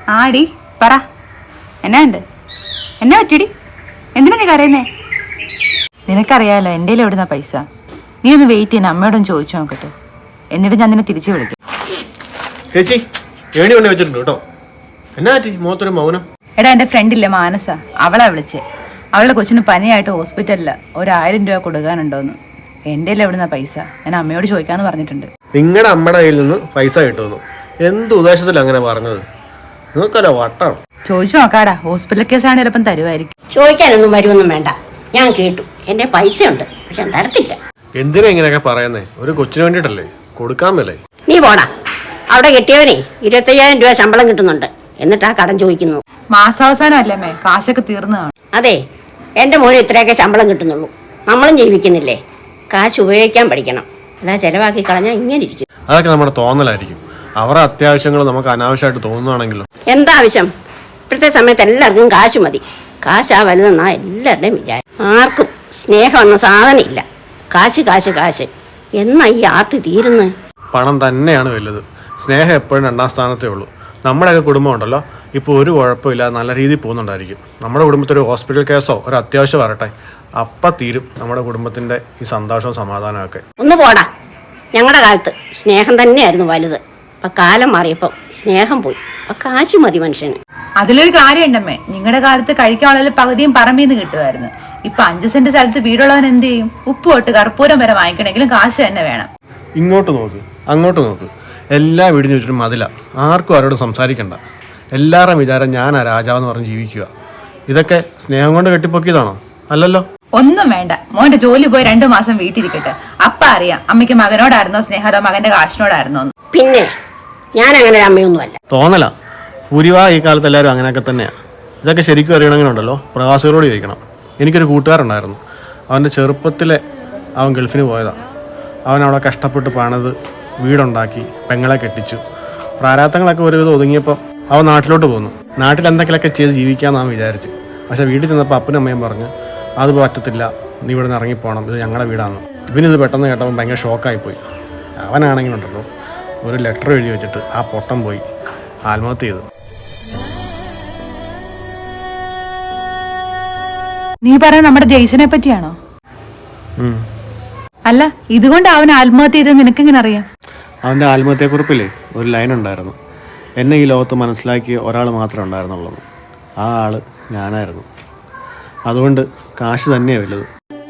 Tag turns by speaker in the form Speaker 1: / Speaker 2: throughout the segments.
Speaker 1: ആടി പറ, എന്നാ ഉണ്ട്? എന്നാ പറ്റിടി? എന്തിനാ നീ കരയുന്നേ? നിനക്കറിയാലോ എൻ്റെ എവിടുന്ന പൈസ. നീ ഒന്ന് വെയിറ്റ് ചെയ്യുന്ന അമ്മയോടൊന്ന് ചോദിച്ചു നോക്കട്ടെ, എന്നിട്ട് ഞാൻ നിന്നെ തിരിച്ചു വിളിക്കും.
Speaker 2: ചേച്ചി ഏണി കൊണ്ട് വെച്ചിട്ടുണ്ട് കേട്ടോ. എന്നാ ചേച്ചി മുഖത്തൊരു മൗനം?
Speaker 1: എടാ എൻ്റെ ഫ്രണ്ടില്ലേ മാനസ, അവളാ വിളിച്ചേ. അവളുടെ കൊച്ചിന് പനിയായിട്ട് ഹോസ്പിറ്റലില് 1000 രൂപ കൊടുക്കാനുണ്ടോന്ന്. എൻ്റെ എവിടുന്ന പൈസ ഞാൻ അമ്മയോട് ചോദിക്കാന്ന് പറഞ്ഞിട്ടുണ്ട്.
Speaker 2: നിങ്ങളുടെ അമ്മയുടെ കയ്യിൽ നിന്ന് പൈസ കിട്ടുമെന്നു എന്ത് ഉദ്ദേശത്തിൽ അങ്ങനെ പറഞ്ഞത്? നിങ്ങൾക്കല്ലോ വട്ടാണ്.
Speaker 1: ചോദിച്ചു നോക്കാടാ, ഹോസ്പിറ്റൽ കേസാണ് ചിലപ്പം തരുമായിരിക്കും.
Speaker 3: ചോദിക്കാനൊന്നും വരുമൊന്നും വേണ്ട, ഞാൻ കേട്ടു. എൻ്റെ പൈസ ഉണ്ട്, പക്ഷെ തരത്തില്ല.
Speaker 2: എന്തിനാ ഇങ്ങനെയൊക്കെ പറയുന്നേ? ഒരു കൊച്ചിന് വേണ്ടിയിട്ടല്ലേ, കൊടുക്കാൻ മേലേ?
Speaker 3: നീ പോടാ. അവിടെ കെട്ടിയവനെ 25,000 രൂപ ശമ്പളം കിട്ടുന്നുണ്ട്, എന്നിട്ടാ കടം ചോദിക്കുന്നു.
Speaker 1: മാസാവസാനം അല്ലേ കാശൊക്കെ തീർന്നതാണ്.
Speaker 3: അതെ, എൻ്റെ മോന് ഇത്രയൊക്കെ ശമ്പളം കിട്ടുന്നുള്ളൂ. നമ്മളും ജീവിക്കുന്നില്ലേ? കാശ് ഉപയോഗിക്കാൻ പഠിക്കണം, അതാ ചെലവാക്കി കളഞ്ഞാൽ ഇങ്ങനെ ഇരിക്കും.
Speaker 2: അതൊക്കെ നമ്മുടെ തോന്നലായിരിക്കും. അവരുടെ അത്യാവശ്യങ്ങൾ നമുക്ക് അനാവശ്യമായിട്ട് തോന്നുകയാണെങ്കിലും.
Speaker 3: എന്താവശ്യം? ഇപ്പോഴത്തെ സമയത്ത് എല്ലാവർക്കും കാശ് മതി. കാശാ വലുതെന്നാ എല്ലാവരുടെയും വിചാരം. ആർക്കും സ്നേഹം എന്ന സാധനം ഇല്ല. കാശ് കാശ് കാശ് എന്നാ ഈ ആർത്തി തീരുന്നത്?
Speaker 2: പണം തന്നെയാണ് വലുത്. സ്നേഹം എപ്പോഴും 2ാം സ്ഥാനത്തേ ഉള്ളൂ. നമ്മുടെയൊക്കെ കുടുംബം ഉണ്ടല്ലോ, ഇപ്പോൾ ഒരു കുഴപ്പമില്ല, നല്ല രീതിയിൽ പോകുന്നുണ്ടായിരിക്കും. നമ്മുടെ കുടുംബത്തിൽ ഒരു ഹോസ്പിറ്റൽ കേസോ ഒരു അത്യാവശ്യം വരട്ടെ, അപ്പം തീരും നമ്മുടെ കുടുംബത്തിൻ്റെ ഈ സന്തോഷവും സമാധാനമൊക്കെ.
Speaker 3: ഒന്ന് പോടാ. ഞങ്ങളുടെ കാലത്ത് സ്നേഹം തന്നെയായിരുന്നു വലുത്. അപ്പം കാലം മാറിയപ്പോൾ സ്നേഹം പോയി. അപ്പം കാശ് മതി മനുഷ്യന്.
Speaker 1: അതിലൊരു കാര്യം ഉണ്ടമ്മേ, നിങ്ങളുടെ കാലത്ത് കഴിക്കാനുള്ള പകുതിയും പറമ്പിന്ന് കിട്ടുമായിരുന്നു. ഇപ്പൊ 5 സെന്റ് സ്ഥലത്ത് വീടുള്ളവൻ എന്ത് ചെയ്യും? ഉപ്പ് തൊട്ട് കർപ്പൂരം വരെ വാങ്ങിക്കണമെങ്കിലും കാശ് തന്നെ വേണം.
Speaker 2: ഇങ്ങോട്ട് നോക്ക്, അങ്ങോട്ട് നോക്ക്, എല്ലാ വീടിനും ചുറ്റും മതില. ആർക്കും ആരോടും സംസാരിക്കണ്ട. എല്ലാവരുടെയും വിചാരം ഞാനാ രാജാവെന്ന് പറഞ്ഞ് ജീവിക്കുക. ഇതൊക്കെ സ്നേഹം കൊണ്ട് കെട്ടിപ്പൊക്കിയതാണോ? അല്ലല്ലോ.
Speaker 1: ഒന്നും വേണ്ട, മോന്റെ ജോലി പോയി 2 മാസം വീട്ടിലിരിക്കട്ടെ. അപ്പ അറിയാം അമ്മയ്ക്ക് മകനോടായിരുന്നോ സ്നേഹം, അതോ മകന്റെ കാശിനോടായിരുന്നോ?
Speaker 3: പിന്നെ ഞാൻ അങ്ങനെ ഒരു അമ്മയൊന്നുമല്ല.
Speaker 2: തോന്നല ഭൂരിഭാ ഈ കാലത്ത് എല്ലാവരും അങ്ങനെയൊക്കെ തന്നെയാണ്. ഇതൊക്കെ ശരിക്കും അറിയണമെങ്കിലുണ്ടല്ലോ പ്രവാസികളോട് ചോദിക്കണം. എനിക്കൊരു കൂട്ടുകാരുണ്ടായിരുന്നു. അവൻ്റെ ചെറുപ്പത്തിലെ അവൻ ഗൾഫിന് പോയതാണ്. അവൻ അവിടെ കഷ്ടപ്പെട്ട് പണിത് വീടുണ്ടാക്കി പെങ്ങളെ കെട്ടിച്ചു. പ്രാരാബ്ദങ്ങളൊക്കെ ഒരുവിധം ഒതുങ്ങിയപ്പോൾ അവൻ നാട്ടിലോട്ട് പോന്നു. നാട്ടിൽ എന്തെങ്കിലുമൊക്കെ ചെയ്ത് ജീവിക്കാമെന്നാണ് വിചാരിച്ച്. പക്ഷേ വീട്ടിൽ ചെന്നപ്പോൾ അപ്പനും അമ്മയും പറഞ്ഞു അത് പറ്റത്തില്ല, നീ ഇവിടെ നിന്ന് ഇറങ്ങിപ്പോകണം, ഇത് ഞങ്ങളുടെ വീടാണ്. ഇവനിത് പെട്ടെന്ന് കേട്ടപ്പോൾ ഭയങ്കര ഷോക്കായിപ്പോയി. അവനാണെങ്കിലുണ്ടല്ലോ ഒരു ലെറ്റർ എഴുതി വെച്ചിട്ട് ആ പൊട്ടം പോയി ആത്മഹത്യ ചെയ്തു.
Speaker 1: നീ പറയാൻ നമ്മുടെ ജയ്സനെ പറ്റിയാണോ? അല്ല, ഇതുകൊണ്ട് അവൻ ആത്മഹത്യ ചെയ്തെന്ന് നിനക്കെങ്ങനെ അറിയാം?
Speaker 2: അവൻ്റെ ആത്മഹത്യക്കുറിപ്പില്ലേ ഒരു ലൈൻ ഉണ്ടായിരുന്നു, എന്നെ ഈ ലോകത്ത് മനസ്സിലാക്കിയ ഒരാൾ മാത്രമേ ഉണ്ടായിരുന്നുള്ളൂ. ആ ആൾ ഞാനായിരുന്നു. അതുകൊണ്ട് കാശ് തന്നെയാണ് വലുത്.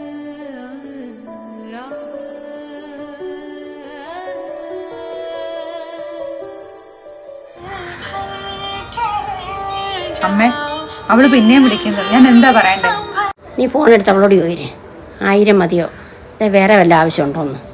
Speaker 1: അമ്മേ, അവള് പിന്നെയും വിളിക്കുന്നത്, ഞാൻ എന്താ പറയണ്ടേ?
Speaker 3: നീ ഫോൺ എടുത്ത് അവളോട് ചോദിരേ, 1000 മതിയോ, വേറെ വല്ല ആവശ്യമുണ്ടോന്ന്.